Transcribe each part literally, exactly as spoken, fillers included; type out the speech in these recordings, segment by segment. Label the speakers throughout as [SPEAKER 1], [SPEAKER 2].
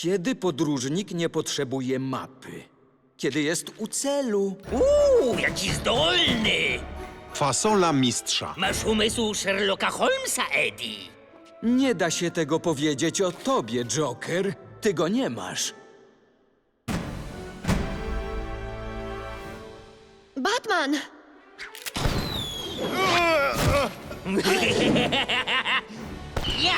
[SPEAKER 1] Kiedy podróżnik nie potrzebuje mapy? Kiedy jest u celu?
[SPEAKER 2] Uuu, jaki zdolny!
[SPEAKER 3] Fasola mistrza.
[SPEAKER 2] Masz umysł Sherlocka Holmesa, Eddie.
[SPEAKER 1] Nie da się tego powiedzieć o tobie, Joker. Ty go nie masz.
[SPEAKER 4] Batman!
[SPEAKER 2] Ja!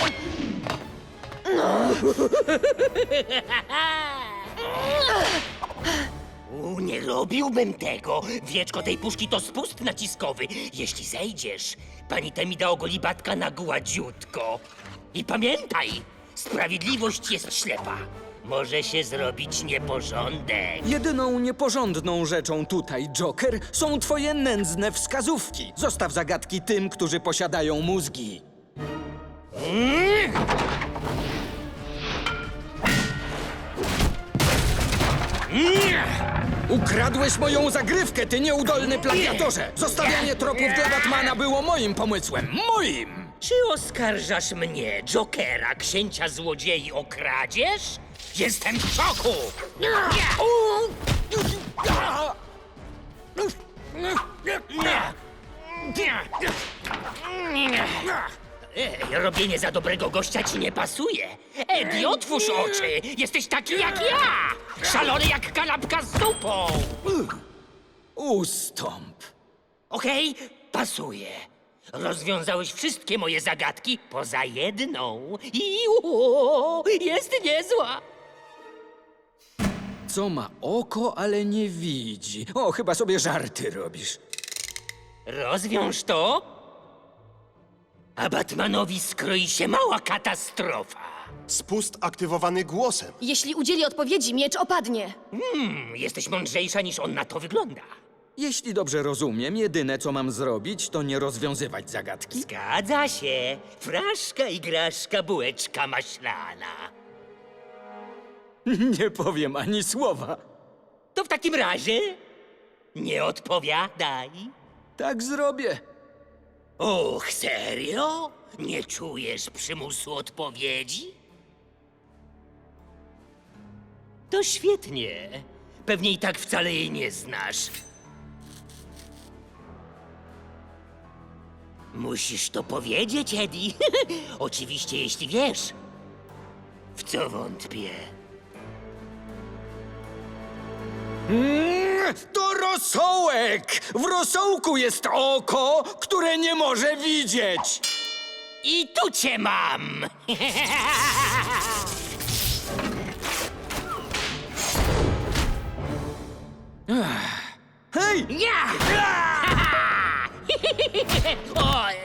[SPEAKER 2] U, nie robiłbym tego. Wieczko tej puszki to spust naciskowy. Jeśli zejdziesz, pani Temida ogoli Batka na gładziutko. I pamiętaj, sprawiedliwość jest ślepa. Może się zrobić nieporządek.
[SPEAKER 1] Jedyną nieporządną rzeczą tutaj, Joker, są twoje nędzne wskazówki. Zostaw zagadki tym, którzy posiadają mózgi. Ukradłeś moją zagrywkę, ty nieudolny plagiatorze! Zostawianie tropów dla Batmana było moim pomysłem. Moim!
[SPEAKER 2] Czy oskarżasz mnie, Jokera, księcia złodziei, o kradzież? Jestem w szoku! Ej, robienie za dobrego gościa ci nie pasuje. Eddie, otwórz oczy! Jesteś taki jak ja! Szalony jak kanapka z zupą!
[SPEAKER 1] Ustąp.
[SPEAKER 2] Okej, pasuje. Rozwiązałeś wszystkie moje zagadki poza jedną. I o, jest niezła.
[SPEAKER 1] Co ma oko, ale nie widzi. O, chyba sobie żarty robisz.
[SPEAKER 2] Rozwiąż to, a Batmanowi skroi się mała katastrofa.
[SPEAKER 3] Spust aktywowany głosem.
[SPEAKER 4] Jeśli udzieli odpowiedzi, miecz opadnie.
[SPEAKER 2] Hmm, jesteś mądrzejsza niż on na to wygląda.
[SPEAKER 1] Jeśli dobrze rozumiem, jedyne co mam zrobić, to nie rozwiązywać zagadki.
[SPEAKER 2] Zgadza się. Fraszka, igraszka, bułeczka maślana.
[SPEAKER 1] Nie powiem ani słowa.
[SPEAKER 2] To w takim razie nie odpowiadaj.
[SPEAKER 1] Tak zrobię.
[SPEAKER 2] Och, serio? Nie czujesz przymusu odpowiedzi? To świetnie. Pewnie i tak wcale jej nie znasz. Musisz to powiedzieć, Eddie. Oczywiście, jeśli wiesz. W co wątpię.
[SPEAKER 1] Mm, to rosołek! W rosołku jest oko, które nie może widzieć.
[SPEAKER 2] I tu cię mam!
[SPEAKER 1] Hej!
[SPEAKER 2] Ja! Oj.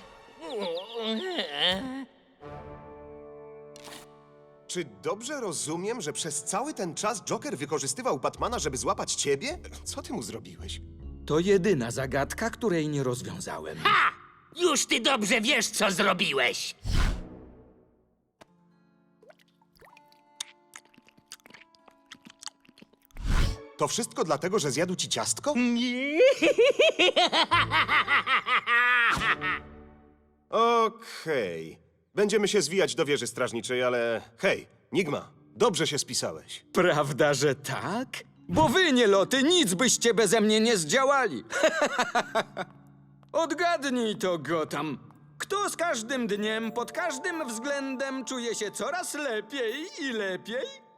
[SPEAKER 3] Czy dobrze rozumiem, że przez cały ten czas Joker wykorzystywał Batmana, żeby złapać ciebie? Co ty mu zrobiłeś?
[SPEAKER 1] To jedyna zagadka, której nie rozwiązałem.
[SPEAKER 2] Ha! Już ty dobrze wiesz, co zrobiłeś.
[SPEAKER 3] To wszystko dlatego, że zjadł ci ciastko? Okej. Będziemy się zwijać do wieży strażniczej, ale hej, Nigma, dobrze się spisałeś.
[SPEAKER 1] Prawda, że tak? Bo wy, nieloty, nic byście beze mnie nie zdziałali. Odgadnij to, Gotham. Kto z każdym dniem, pod każdym względem czuje się coraz lepiej i lepiej?